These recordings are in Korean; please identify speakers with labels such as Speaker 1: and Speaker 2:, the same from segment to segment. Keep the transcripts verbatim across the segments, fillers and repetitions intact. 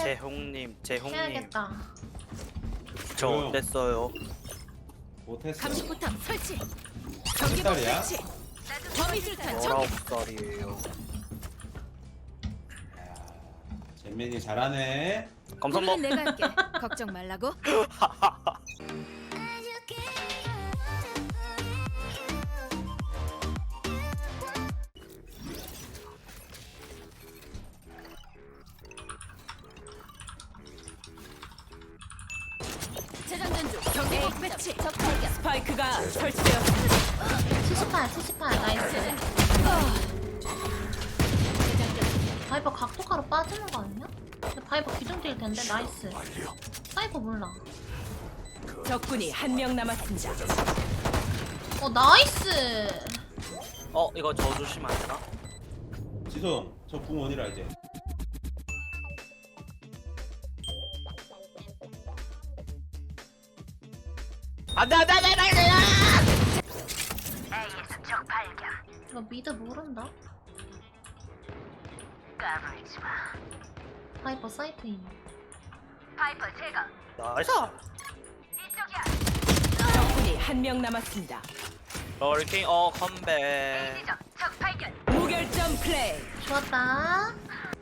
Speaker 1: 재홍님, 재홍님,
Speaker 2: 해야겠다.
Speaker 1: 저
Speaker 3: 조용.
Speaker 1: 어땠어요?
Speaker 3: 못했어.
Speaker 4: 감시포탑 설치.
Speaker 3: 몇
Speaker 4: 경계복
Speaker 3: 살이야?
Speaker 4: 설치. 범위술탄
Speaker 1: 열아홉
Speaker 4: 전개.
Speaker 1: 살이에요.
Speaker 3: 야, 잼민이 잘하네.
Speaker 1: 감사합니다.
Speaker 4: 오늘은 내가 할게. 걱정 말라고. 재장전 중. 경계복 배치. 적 발견. 스파이크가 설치되었습니다.
Speaker 2: 칠십팔, 칠십팔, 나이스. 바이버 각도가로 빠지는 거 아니야? 근데 바이버 기둥일 텐데, 나이스. 사이버 몰라.
Speaker 4: 적군이 한 명 남았습니다.
Speaker 2: 어, 나이스!
Speaker 1: 어, 이거 저 조심하면 안 되나?
Speaker 3: 지송, 저 궁원이라 이제.
Speaker 1: 안돼 안돼 안돼 안돼.
Speaker 2: 이거 미드 모른다? 바이버 사이트인.
Speaker 1: 나이스.
Speaker 4: 적군이 한 명 남았습니다.
Speaker 1: 럴킹 어 컴백.
Speaker 4: 무결점 플레이.
Speaker 2: 좋았다.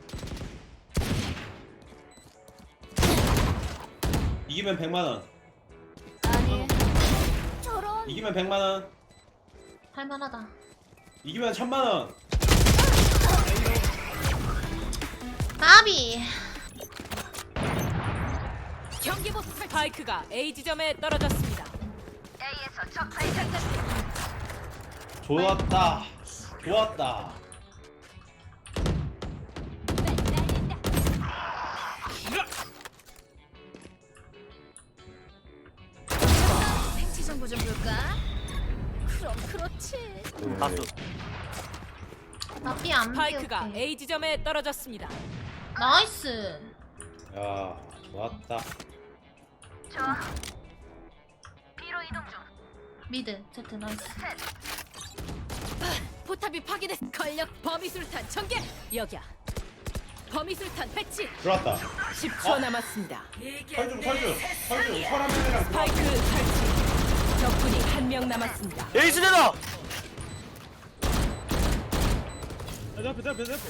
Speaker 3: 이기면 백만 원.
Speaker 4: 아니. 저런.
Speaker 3: 이기면 백만 원.
Speaker 2: 할만하다.
Speaker 3: 이기면 천만 원.
Speaker 2: 나비!
Speaker 4: 경계복 스파이크가 A 지점에 떨어졌습니다.
Speaker 3: 좋았다. 좋았다.
Speaker 4: 생체 정보 좀 볼까? 그럼 그렇지.
Speaker 1: 다수.
Speaker 2: 나비 안
Speaker 4: 스파이크가
Speaker 2: 비울게.
Speaker 4: A 지점에 떨어졌습니다.
Speaker 2: 나이스!
Speaker 3: 야, 좋았다.
Speaker 2: 미드, 제트 나이스.
Speaker 4: 포탑이 파괴됐. 걸력 범위술탄 전개. 여기야. 범위술탄 배치.
Speaker 3: 들어왔다.
Speaker 4: 십 초
Speaker 3: 어?
Speaker 4: 남았습니다.
Speaker 3: 설중, 설중, 설중. 설한 명이랑
Speaker 4: 스파이크 설치. 적군이 한 명 남았습니다.
Speaker 1: 에이스 되다.
Speaker 3: 내 앞에, 내 앞에, 내 앞에.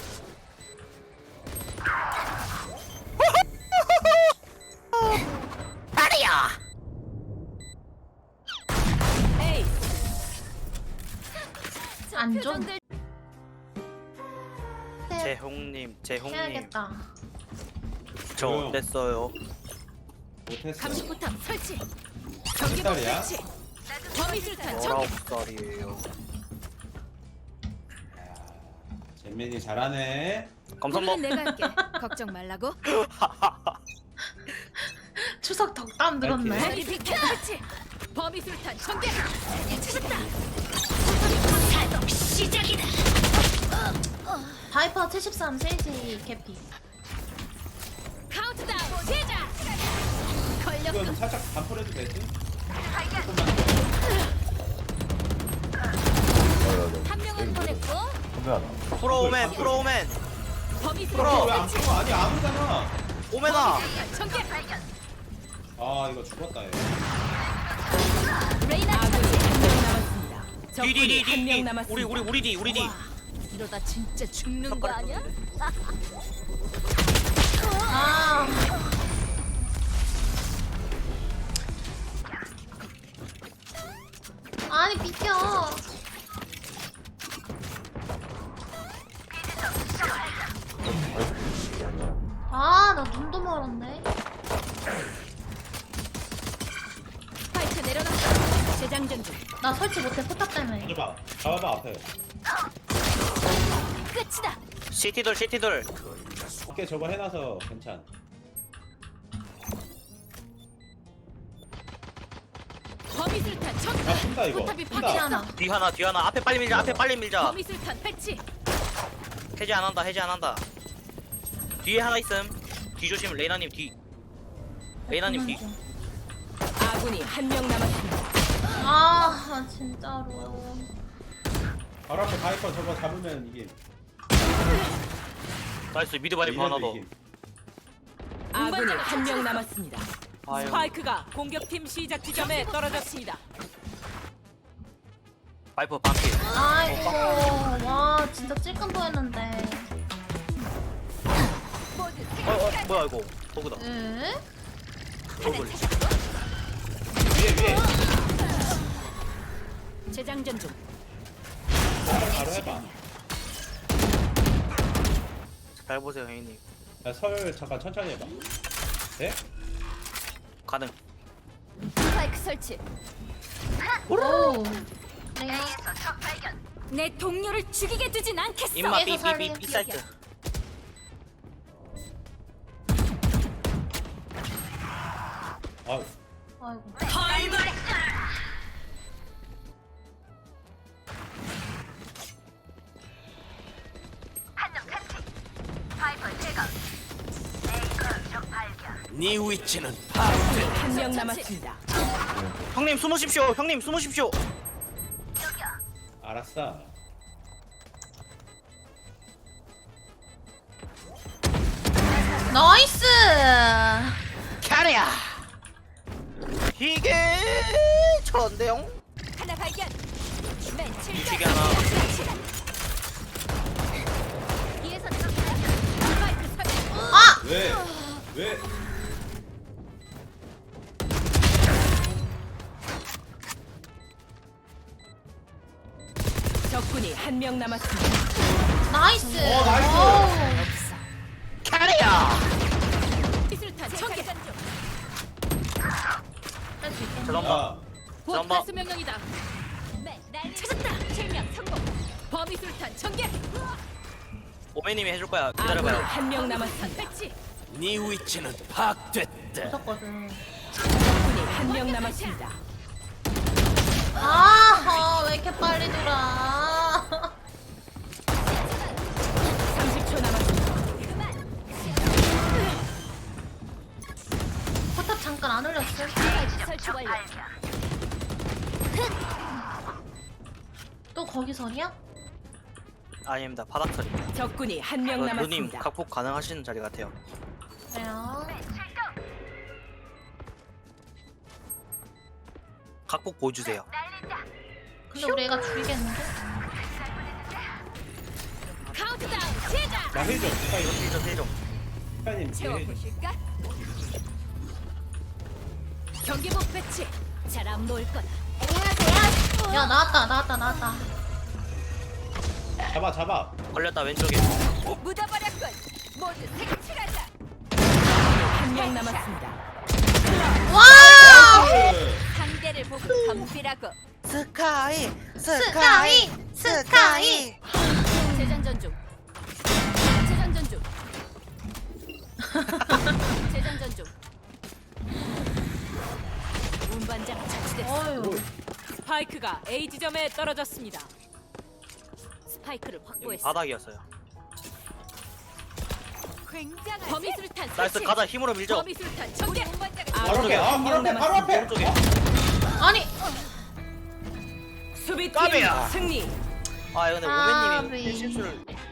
Speaker 1: 파리야.
Speaker 4: 에이.
Speaker 2: 안 좀.
Speaker 1: 재홍님, 재홍님,
Speaker 2: 해야겠다.
Speaker 1: 저
Speaker 3: 조용.
Speaker 1: 어땠어요?
Speaker 3: 못했어.
Speaker 4: 감시포탑 설치.
Speaker 3: 몇
Speaker 4: 경계복
Speaker 3: 살이야?
Speaker 4: 설치. 범위술탄
Speaker 1: 열아홉
Speaker 4: 전개.
Speaker 1: 살이에요.
Speaker 3: 야, 잼민이 잘하네.
Speaker 1: 감사합니다.
Speaker 4: 오늘은 내가 할게. 걱정 말라고.
Speaker 2: 추석 덕담 들었네.
Speaker 4: 머리 비켜. 설치. 범위술탄 전개. 찾았다. 시작이다.
Speaker 2: 바이퍼 칠십삼, 세이지 개피.
Speaker 4: 카운트다운 시작.
Speaker 3: 이건
Speaker 4: 걸력.
Speaker 3: 살짝 반풀해도 되지?
Speaker 4: 한 명은 보냈고.
Speaker 1: 프로오맨, 프로오맨,
Speaker 4: 범위술탄
Speaker 3: 왜안
Speaker 4: 배치.
Speaker 3: 풀어? 아니, 아무잖아.
Speaker 1: 오메나.
Speaker 4: 전개.
Speaker 3: 아, 이거 죽었다, 얘.
Speaker 4: 레이나 아군이 한 명 남았습니다. 적군이
Speaker 1: 디디디디.
Speaker 4: 한 명 남았습니다.
Speaker 1: 우리 우리 우리 디 우리 디.
Speaker 4: 와, 이러다 진짜 죽는 거 아니야?
Speaker 2: 아. 아니, 비켜. 아, 나 눈도 멀었네.
Speaker 4: 스파이크 내려놨다. 재장전 중.
Speaker 2: 나 설치 못해, 포탑 때문에.
Speaker 3: 잡아봐. 잡아봐, 앞에.
Speaker 4: 끝이다.
Speaker 1: 시티돌 시티돌.
Speaker 3: 오케이, 저거 해놔서 괜찮.
Speaker 4: 범위술탄 전.
Speaker 3: 야, 푼다, 이거.
Speaker 4: 포탑이
Speaker 3: 푼다.
Speaker 2: 피
Speaker 4: 파괴
Speaker 2: 하나.
Speaker 4: 하나.
Speaker 1: 뒤 하나 뒤 하나. 앞에 빨리 밀자. 앞에 빨리 밀자.
Speaker 4: 범위술탄 배치.
Speaker 1: 해제 안 한다. 해제 안 한다. 뒤에 하나 있음. 뒤 조심. 레이나님 뒤. 레이나님 뒤.
Speaker 4: 아군이 한 명 남았습니다.
Speaker 2: 아, 진짜로.
Speaker 3: 바로 앞에 바이퍼 저거 잡으면 이게
Speaker 1: 나이스 미드 바이퍼 하나 더.
Speaker 3: 이기면
Speaker 4: 아군이 한 명 남았습니다.
Speaker 1: 아유.
Speaker 4: 스파이크가 공격팀 시작 지점에 떨어졌습니다.
Speaker 1: 바이퍼 반피.
Speaker 2: 아이고 와 진짜 찔끔보였는데.
Speaker 1: 어, 어 뭐야 이거 버그다.
Speaker 2: 에?
Speaker 1: 버그.
Speaker 3: 위에 위에.
Speaker 4: 재장전 중.
Speaker 3: 바로 해봐.
Speaker 1: 잘 보세요 형님.
Speaker 3: 야, 설 잠깐 천천히 해봐. 네?
Speaker 1: 가능.
Speaker 4: 스파이크 설치.
Speaker 2: 오. 레이나.
Speaker 4: 내 동료를 죽이게 두진 않겠어.
Speaker 1: 임마
Speaker 2: 얘도 살림.
Speaker 1: 삐삐삐 삐 사이트.
Speaker 3: 아,
Speaker 2: 아이고.
Speaker 5: 네 위치는
Speaker 4: 한 명 남았습니다.
Speaker 1: 형님 숨으십시오. 형님 숨으십시오.
Speaker 3: 알았어.
Speaker 2: 나이스.
Speaker 1: 캐리야. 이게 저런데요?
Speaker 4: 하나 발견. 맨
Speaker 1: 이쪽에 하나.
Speaker 4: 뒤에서 스파이크 설치.
Speaker 2: 아.
Speaker 3: 왜? 왜?
Speaker 4: 적군이 한 명 남았습니다.
Speaker 2: 나이스.
Speaker 3: 어, 나이스.
Speaker 2: 어우.
Speaker 1: 캐리야.
Speaker 4: 기술탄 전개.
Speaker 2: 할수 있겠네.
Speaker 1: 저런봐.
Speaker 3: 야,
Speaker 4: 곧
Speaker 1: 잠깐만.
Speaker 4: 가스 명령이다. 찾았다. 실명 성공. 범위술탄 전개.
Speaker 1: 오메님이 해줄 거야.
Speaker 4: 아군이
Speaker 1: 기다려봐요.
Speaker 4: 한 명 남았습니다. 배치.
Speaker 5: 네 위치는 파악됐다.
Speaker 2: 무섭거든.
Speaker 4: 적군이 한 명 남았습니다.
Speaker 2: 아, 왜 이렇게 빨리 돌아?
Speaker 4: 삼십 초 남았습니다.
Speaker 2: 포탑 잠깐 안 올렸어.
Speaker 4: 설치 완료.
Speaker 2: 또 거기서냐?
Speaker 1: 아닙니다. 바닥처리.
Speaker 4: 적군이 한 명
Speaker 1: 그 누님
Speaker 4: 남았습니다.
Speaker 1: 각폭 가능하시는 자리 같아요.
Speaker 2: 그래요.
Speaker 1: 각폭 보여주세요.
Speaker 2: 근데 우리 애가 죽이겠는데?
Speaker 4: 카운트다운 시작.
Speaker 3: 나 힐 좀. 스파이,
Speaker 1: 세점 세점.
Speaker 3: 스파이님 뒤에 힐 좀.
Speaker 4: 채워보실까? 경기복 배치. 잘 안 보일 거다.
Speaker 2: 야, 나왔다, 나왔다, 나왔다.
Speaker 3: 잡아, 잡아.
Speaker 1: 걸렸다 왼쪽에.
Speaker 4: 묻어버렸군. 모두 색칠하자. 한 명 남았습니다.
Speaker 2: 와!
Speaker 4: 상대를 보고 덤비라고.
Speaker 1: 스카이
Speaker 2: 스카이! 스카이!
Speaker 4: 재장전 중. 재장전 중. 재장전 중. 운반장 처치됐어.
Speaker 2: 어휴.
Speaker 4: 스파이크가 A 지점에 떨어졌습니다. 스파이크를
Speaker 1: 여기
Speaker 4: 확보했어.
Speaker 1: 바닥이었어요.
Speaker 4: 굉장한 범위술탄
Speaker 1: 나이스
Speaker 4: 설치.
Speaker 1: 가자 힘으로 밀죠.
Speaker 4: 범위술탄 전개.
Speaker 3: 바로 앞에, 아, 바로 앞에, 바로 앞에.
Speaker 1: 오른쪽에.
Speaker 2: 아니,
Speaker 4: 수비팀
Speaker 1: 까비야.
Speaker 4: 승리.
Speaker 1: 아 근데
Speaker 2: 아,
Speaker 1: 오메님이
Speaker 2: 네.
Speaker 1: 실수를